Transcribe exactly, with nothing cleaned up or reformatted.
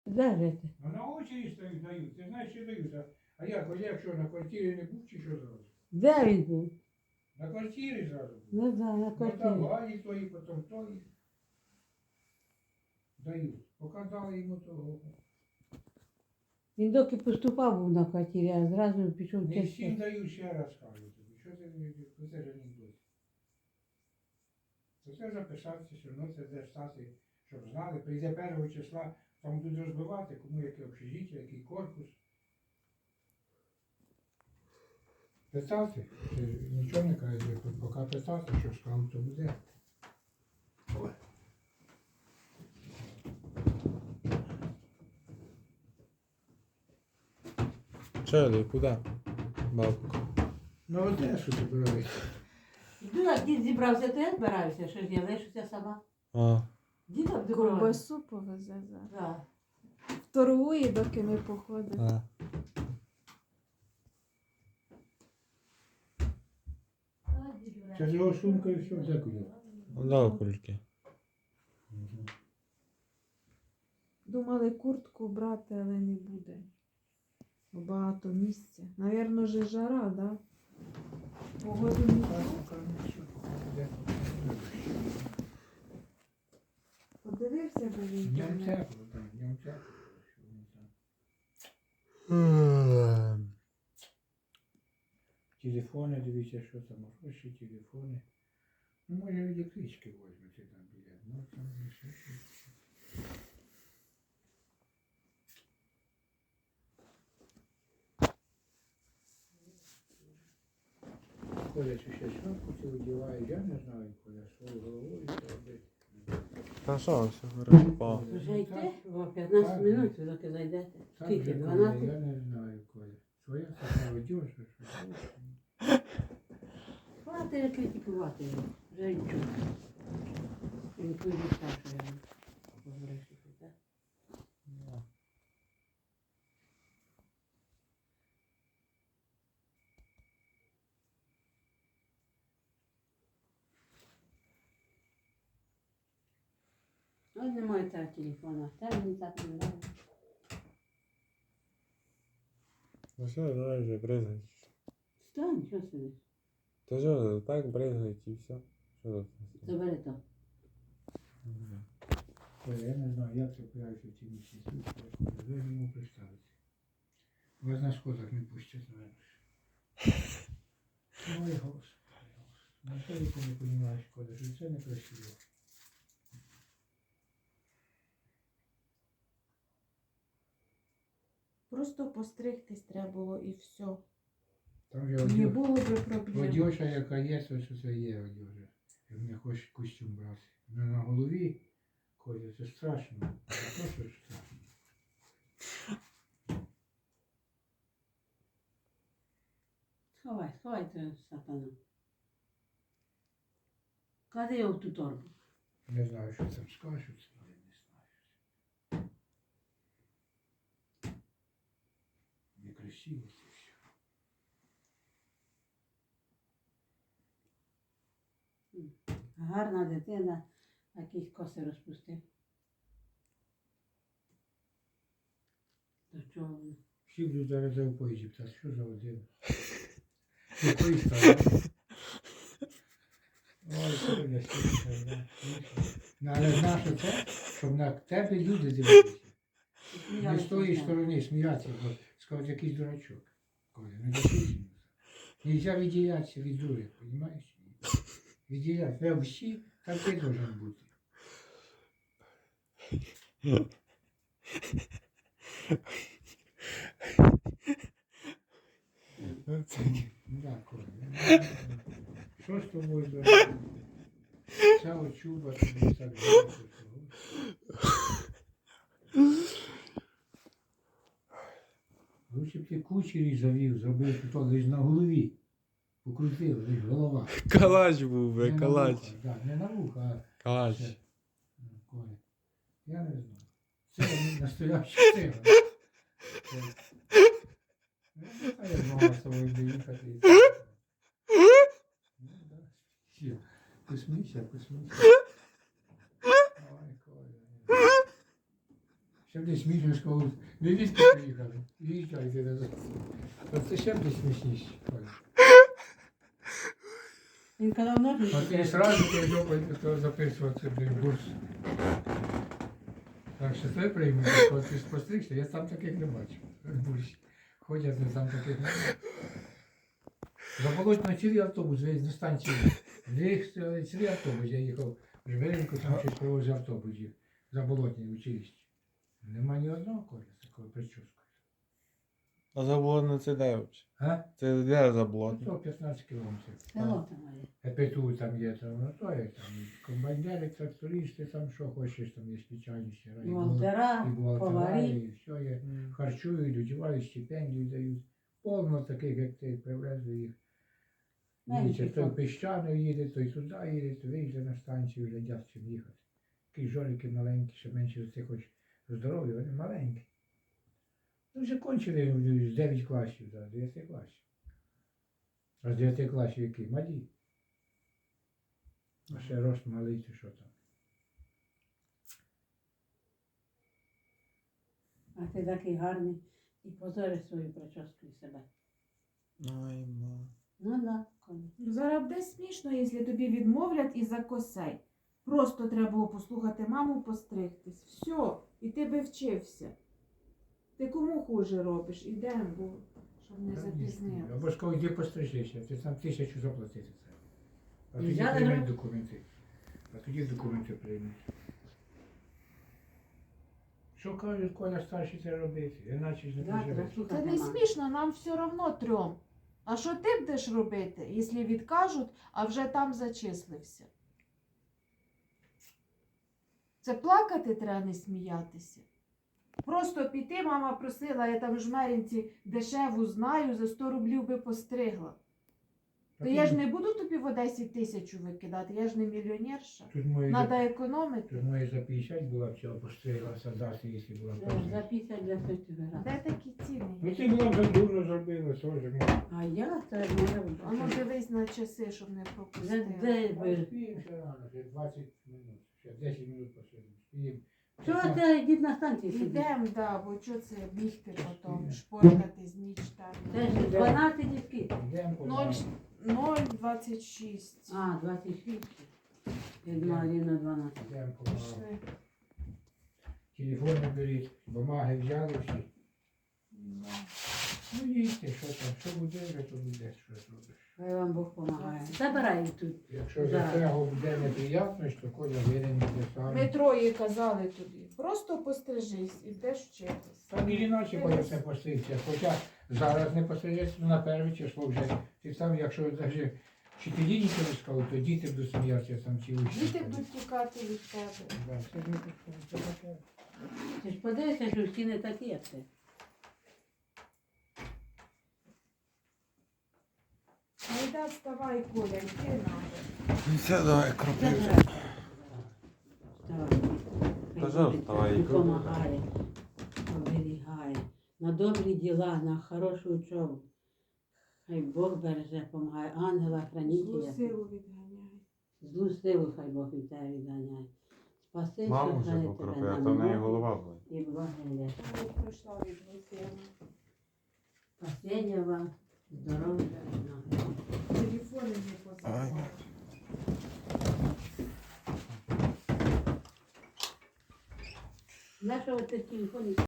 Де жити? Ну на очі стоїть, дають. Ти знаєш, що дають. А, а як, ось якщо на квартирі не був, чи що зразу? Де він був? На квартирі зразу був. Не знаю, на Ну квартирі. давали тої, потім тої. Дають. Поки дали йому того. Він доки поступав був на квартирі, а зразу пішов Не всім тести. дають, ще раз кажу тобі. Що ти мені, оце ж анекдот. Оце записатися, що ну це де стати, щоб знали. Прийде першого числа, там будуть розбивати, кому яке общежиття, який корпус. Питати, ти нічого не кажеш, поки питати, що скажу, то буде. Ой. Чели, куди? Бабка. На Одесу збираюся. Ну, як дід зібрався, то я збираюся, що ж я лишуся сама. А. Діда в дорогу. Ковбасу повезе зараз. Да. Торгує, доки ми походимо. А. Це ж його сумка і все, дякую. Да, кульки. Думали куртку брати, але не буде. Бо багато місця. Навірно, же жара, да? Погоду не буде. Подивився, бо він Днем там. тепло, там, днем тепло. що воно там. Телефони, дивіться, що там, гроші, телефони. Ну, може, електрички візьмете там біля. Ну, там і ще щось. Коля, чи ще шапку ти одягаєш, я не знаю, Коля, свою головою що робити. Та що, все хорошо. Вже йти? О, п'ятнадцять минут, ви доки зайдете. Так Скільки? же, Коля, дванадцять? я не знаю, Коля. Своя така одежа, що хочеш. Хватить критикувати його. Вже нічого. Він тут так, що я говорив, що це так. Ось немає того телефона. Та мені так не нравиться. Ну все, давай вже бризгай. Стань, що сидиш? Та що, так бризгать і все. Що тут? Забери то. Коля, я не знаю, як це появиться в ці місяці. Ви йому представити. Вас на сходах не пустять, наверное. Ой, Господи, Господи. Ну, що ти не розумієш, Коля, що це некрасиво. Просто постригтись треба було і все. Там же Не одежа, було би проблем. одежа, яка є, то що це є одежа. Як не хочеш костюм брати. Ну, на голові, Коля, це страшно. А то, що ж страшно. Сховай, сховай це сатану. Клади його в ту торбу. Не знаю, що там скажуть, але не знаю. Некрасиво це все. Гарна дитина, якісь коси розпустив. До чого воно? Всі будуть зараз за поїзді питати, що за один? Якої сторони? Ой, Коля, слухай, да. Ну, але знаєш це, щоб на тебе люди дивилися. Не з тої сторони сміятися, бо скажуть, якийсь дурачок. Коля, не допустимо. Нельзя відділятися від дури, розумієш? Відділятися. Треба всі, так ти должен бути. Да, Коля. Що з тобою за ця очуба тобі так добре? Лучше б ти кучері завів, зробив тут лиш на голові. Покрутив, лиш голова. Калач був би, Не на калач. вуха, да, не на вуха, а Калач. це. Ну, Коля. Я не знаю. Це настоящий циган. Це- Ну, а я змогла з тобою доїхати. і так. Ну, да. Все. Посмійся, посмійся. Ой, Коля. Ще б десь смішно сказав, ви відки приїхали, виїжджайте назад. Оце ще б десь смішніше. Коля. Він казав, ножниці. А ти сразу ти жопою сказав записуватися в бурс. Так що це прийму, коли ти спостерігся, я сам таких не бачив. В бурсі. Ходять, я сам таких не бачив. Заболотно цілий автобус, весь до станції. Виїхали цілий автобус, я їхав в Жмеринку, там щось привозив автобус їх. Заболотні училище. Нема ні одного коля з такою прическою. А заболотне це де взагалі? А? Це де Ну, заболотне? то п'ятнадцять кілометрів. Село там є. ЕПТУ там є, там, ну то є там. І комбайнери, трактористи, там що хочеш, там є спеціальності. І волтера, І бухгалтера, поварі. і все є. Харчують, одівають, стипендію дають. Повно таких, як ти, привезли їх. Навіть Дивіться, той якщо- піщаною їде, той туди їде, то виїжджає на станцію, глядять, чим їхати. Такі жоліки маленькі, ще менше за цих хоч здорові, вони маленькі. Ну, вже кончили з дев'ять класів, да, з дев'яти класів. А з дев'яти класів який? Малі. А ще рост малий, чи що там. А ти такий гарний і позориш свою прическу і себе. Ай, ма. Ну да, Коля. Зараз буде смішно, якщо тобі відмовлять і за косей. Просто треба було послухати маму, постригтись. Все, і ти би вчився. Ти кому хуже робиш? Ідемо, бо щоб не запізнилися. Або ж коли йди пострижися, ти сам тисячу заплатити це. А І тоді взяли приймуть гроші? документи. А тоді документи приймуть. Що кажуть, Коля старший це робити? Іначе ж не Да, треба проживеш. слухати Це не маму. смішно, нам все одно трьом. А що ти будеш робити, якщо відкажуть, а вже там зачислився? Це плакати треба, не сміятися. Просто піти, мама просила, я там в Жмеринці дешеву знаю, за сто рублів би постригла. То я ж не буду тобі в Одесі тисячу викидати, я ж не мільйонерша. Тут мої Треба за, економити. тут мої за п'ятдесят була всього постригла дати, якщо була Це ж постригла. За п'ятдесят для сотні грати. Де такі ціни? Ну ти була вже дурно зробила, що ж ми. А я це моя А ну дивись на часи, щоб не Де, пропустити. де Ми ви? спіємо ще рано, ще двадцять минут, ще десять минут посидимо. Спіємо. Що це йдіть на станції сидіть? Ідемо, да, бо що це бігти потім, Спільно. шпоркати з ніч там. Це ж дванадцять дітки. Йдемо по Ноль ноль двадцять шість. А, двадцять шість. Я думала, рівно дванадцять. Йдемо по Пішли. телефони беріть, бумаги взяли всі. Да. Ну їдьте, що там, що буде, вже то буде, що зробиш. Хай вам Бог допомагає. Забирай тут. Якщо за Да. цього буде неприємно, то Коля винен буде сам. Ми троє казали тобі, просто пострижись і будеш вчитись. Там і іначе Коля це постригся. Хоча зараз не пострижеться, ну на перше число вже. Ти сам, якщо навіть вчителі нічого не сказали, то діти будуть сміятися там ці учні. Діти будуть тікати від тебе. Да, це ж не таке, це таке. Ти ж подивися, що всі не такі, як ти. Айда, вставай, Коля, йди надо. Все, давай, кропився. Забирай. Вставай. Кажи, вставай. Допомагає, оберігає. На добрі діла, на хорошу учобу. Хай Бог береже, допомагає. Ангела Злу хранителя. силу відганяй. Злу силу хай Бог від тебе відганяє. Спаси, Маму що вже хай покропив, тебе а на то в неї многі голова болить. і благодать. Я пройшла від злу силу. Спасення вам, здоров'я і ноги. Телефони не позабувай. Нашого ти телефоні